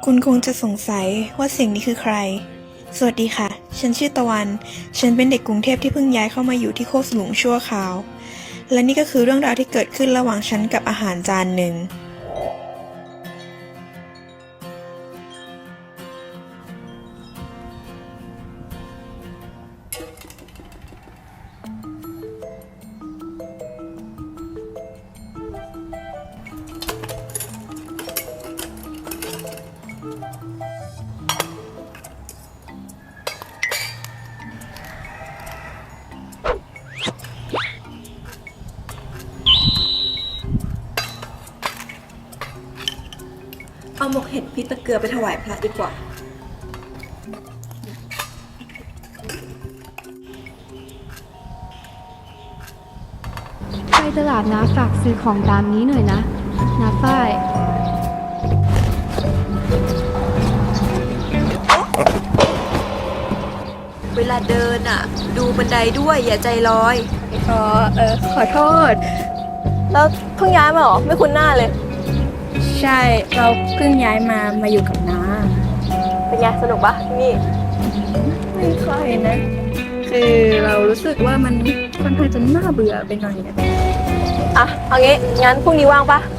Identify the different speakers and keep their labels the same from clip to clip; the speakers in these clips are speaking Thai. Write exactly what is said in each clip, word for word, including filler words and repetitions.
Speaker 1: คุณคงจะสงสัยว่าเสียงนี้คือใคร สวัสดีค่ะ ฉันชื่อตะวัน ฉันเป็นเด็กกรุงเทพที่เพิ่งย้ายเข้ามาอยู่ที่โคกสลุงชั่วคราว และนี่ก็คือเรื่องราวที่เกิดขึ้นระหว่างฉันกับอาหารจานหนึ่ง
Speaker 2: เอาหมกเห็ดพริกตะเกียบไปถวายพระดีกว่า
Speaker 3: ไปตลาดนะฝากซื้อของตามนี้หน่อยนะนะฝ้าย
Speaker 2: เวลาเดินอ่ะ ดูบันไดด้วยอย่าใจลอยอ๋อเออขอโทษ แล้วเพิ่งย้ายมาเหรอ ไม่คุ้นหน้าเลย
Speaker 4: ใช่เราเพิ่งย้ายมามาอยู่กับน้า
Speaker 2: เป็นไงสนุกปะที่นี่
Speaker 4: ไม่ค่อยนะ คือเรารู้สึกว่ามันค่อนข้างจะน่าเบื่อไปหน่อยนะ
Speaker 2: อ่ะ เอางี้ งั้นพรุ่งนี้ว่างปะ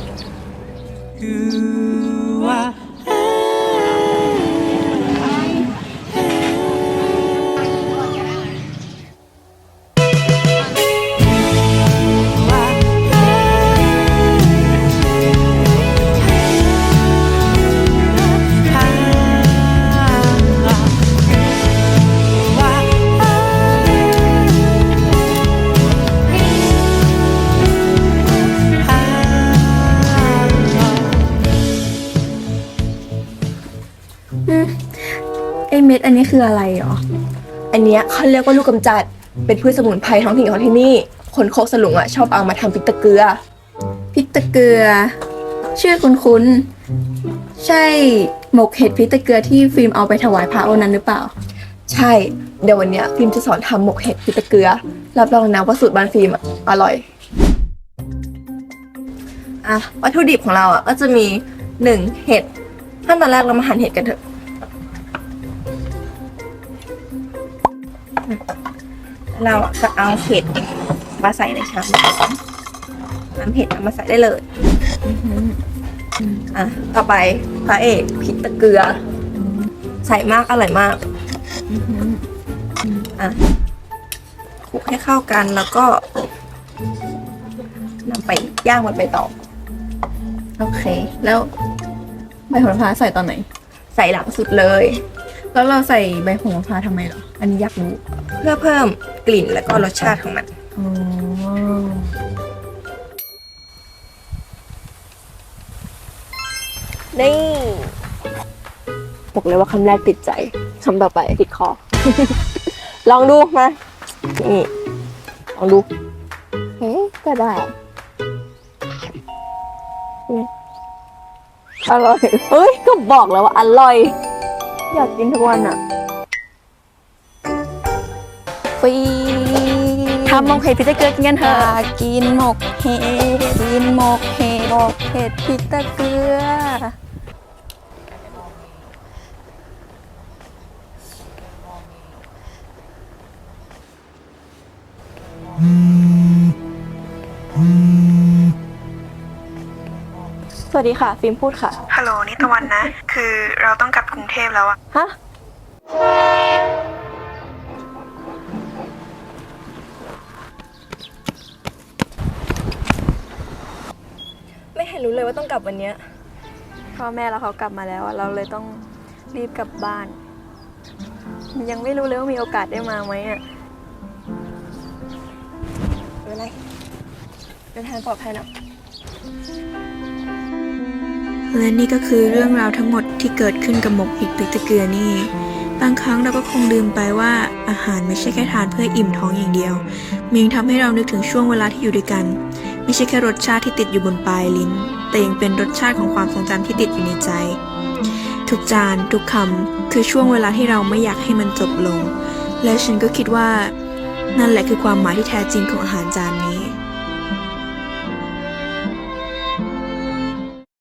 Speaker 4: ไอเม็ดอันนี้คืออะไรหรอ
Speaker 2: อันเนี้ยเขาเรียกว่าลูกกำจัด เป็นพืชสมุนไพรท้องถิ่นของที่นี่ คนโคกสลุงอ่ะชอบเอามาทำพริกตะเกียบ
Speaker 4: พริกตะเกียชื่อคุ้นๆใช่หมกเห็ดพริกตะเกียที่ฟิล์มเอาไปถวายพระวันนั้นหรือเปล่า
Speaker 2: ใช่ เดี๋ยววันเนี้ยฟิล์มจะสอนทำหมกเห็ดพริกตะเกียรับรองนะว่าสูตรบ้านฟิล์มอ่ะอร่อย อ่ะวัตถุดิบของเราอ่ะก็จะมีหนึ่งเห็ดขั้นตอนแรกเรามาหั่นเห็ดกันเถอะเราจะเอาเห็ดมาใส่ในชามน้ำเห็ดเอามาใส่ได้เลยอ่ะต่อไปพระเอกพริกตะเกียใส่มากอร่อยมากอ่ะคลุกให้เข้ากันแล้วก็นำไปย่างบนใบตอง
Speaker 4: โอเค แล้วใบโหระพาใส่ตอนไหน
Speaker 2: ใส่หลังสุดเลย
Speaker 4: แล้วเราใส่ใบโหระพาทำไมเหรอ อันนี้อยากรู้
Speaker 2: เพื่อเพิ่มกลิ่นและก็รสชาติของมัน
Speaker 4: อ๋อ
Speaker 2: นี่บอกเลยว่าคำแรกติดใจคำต่อไปติดคอ ลองดูมานี่ลองดูเฮ้ยก็ได้อร่อยเฮ้ยก็บอกแล้วว่าอร่อย อยากกินทุกวันอ่ะฟรี
Speaker 4: ทำหมกเห็ดพริกตะเกียกินกันเถ
Speaker 2: อ
Speaker 4: อะ
Speaker 2: ยากกินหมกเห็ดกินหมกเห็ดหมกเห็ดพริกตะเกีย สวัสดีค่ะ ฟิล์มพูดค่ะ
Speaker 1: ฮัลโหลนี่ตะวันนะ คือเราต้องกลับกรุงเทพแล้วอะ
Speaker 2: ฮะ ไม่เห็นรู้เลยว่าต้องกลับวันเนี้ยพ่อแม่เราเขากลับมาแล้วอะเราเลยต้องรีบกลับบ้าน ยังไม่รู้เลยว่ามีโอกาสได้มาไหมอ่ะไม่เป็นไรเดินทางปลอดภัยนะ
Speaker 1: และนี่ก็คือเรื่องราวทั้งหมดที่เกิดขึ้นกับหมกเห็ดพริกตะเกียนี่ บางครั้งเราก็คงลืมไปว่าอาหารไม่ใช่แค่ทานเพื่ออิ่มท้องอย่างเดียวมันยังทำให้เรานึกถึงช่วงเวลาที่อยู่ด้วยกัน ไม่ใช่แค่รสชาติที่ติดอยู่บนปลายลิ้น แต่ยังเป็นรสชาติของความทรงจำที่ติดอยู่ในใจ ทุกจานทุกคำคือช่วงเวลาที่เราไม่อยากให้มันจบลง และฉันก็คิดว่านั่นแหละคือความหมายที่แท้จริงของอาหารจานนี้